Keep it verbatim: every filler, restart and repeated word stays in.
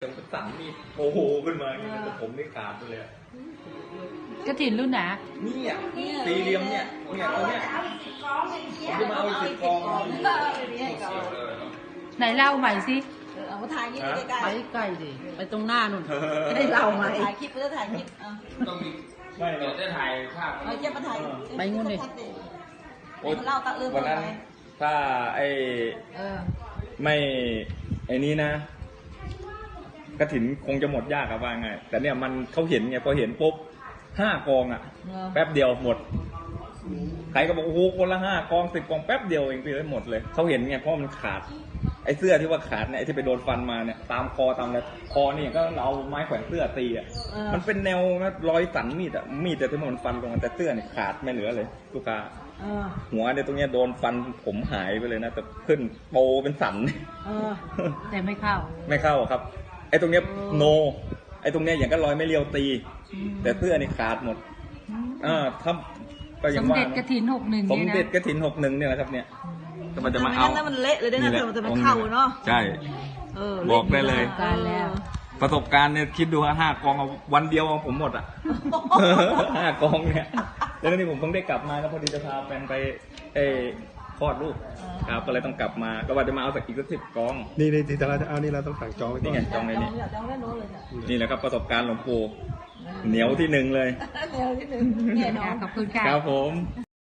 จนสั่นมีดโอ้โหขึ้นมาอย่างเงี้ยแต่ผมนี่ขาดไปเลยกระถินรุ่นไหนนี่อ่ะสี่เหลี่ยมเนี่ยเนี่ยตรงเนี้ยผมจะมาเอาอีกสิบกองไหนเล่าใหม่สิเอามาถ่ายคลิปใกล้ๆไปใกล้ดิไปตรงหน้านู่นได้เล่าใหม่ถ่ายคลิปเพื่อถ่ายคลิปต้องมีไม่เราจะถ่ายภาพเอาเจ็บมาถ่ายไปงูนดิเล่าตะเอิญวันนั้นถ้าไอ้ไม่ไอ้นี้นะกระถินคงจะหมดยากอะว่าไงแต่เนี่ยมันเขาเห็นไงพอเห็นปุ๊บห้ากองอะแป๊บเดียวหมดใครก็บอกโอ้โหคนละห้ากองสิบกองแป๊บเดียวเองไปเลยหมดเลยเขาเห็นไงเพราะมันขาดไอ้เสื้อที่ว่าขาดเนี่ยไอ้ที่ไปโดนฟันมาเนี่ยตามคอตามอะไรคอนี่ก็เอาไม้แขวนเสื้อตีอ่ะมันเป็นแนวนะรอยสันมีดอ่ะมีดแต่ที่มันฟันลงแต่เสื้อเนี่ยขาดไม่เหลือเลยลูกค้าหัวเนี่ยตรงเนี้ยโดนฟันผมหายไปเลยนะแต่ขึ้นโปเป็นสันแต่ไม่เข้าไม่เข้าครับไอ้ตรงเนี้ยโนไอ้ตรงเนี้ยอย่างก็รอยไม่เลียวตีแต่เสื้อนี่ขาดหมดอ่าทำก็ยังว่าสมเด็จกระถินหกหนึ่งสมเด็จกระถินหกหนึ่งเนี่ยนะครับเนี่ยมันจะมาเอามันเละเลยได้นะแต่มันจะมาเข้าเนาะใช่บอกได้เลยประสบการณ์เนี่ยคิดดูว่าห้ากองเอาวันเดียวเอาผมหมดอ่ะห้ากองเนี่ยแล้วนี่ผมเพิ่งได้กลับมาแล้วพอดีจะพาแฟนไปเอคลอดลูกครับก็เลยต้องกลับมาก็ว่าจะมาเอาสักอีกสักสิบกองนี่ในที่เราจะเอานี่เราต้องสั่งจองไว้ก่อนนี่ไงจองเลยนี่นี่แหละครับประสบการณ์หลวงปู่เหนียวที่หนึ่งเลยเหนียวที่หนึ่งแน่นอนขอบคุณค่ะครับผม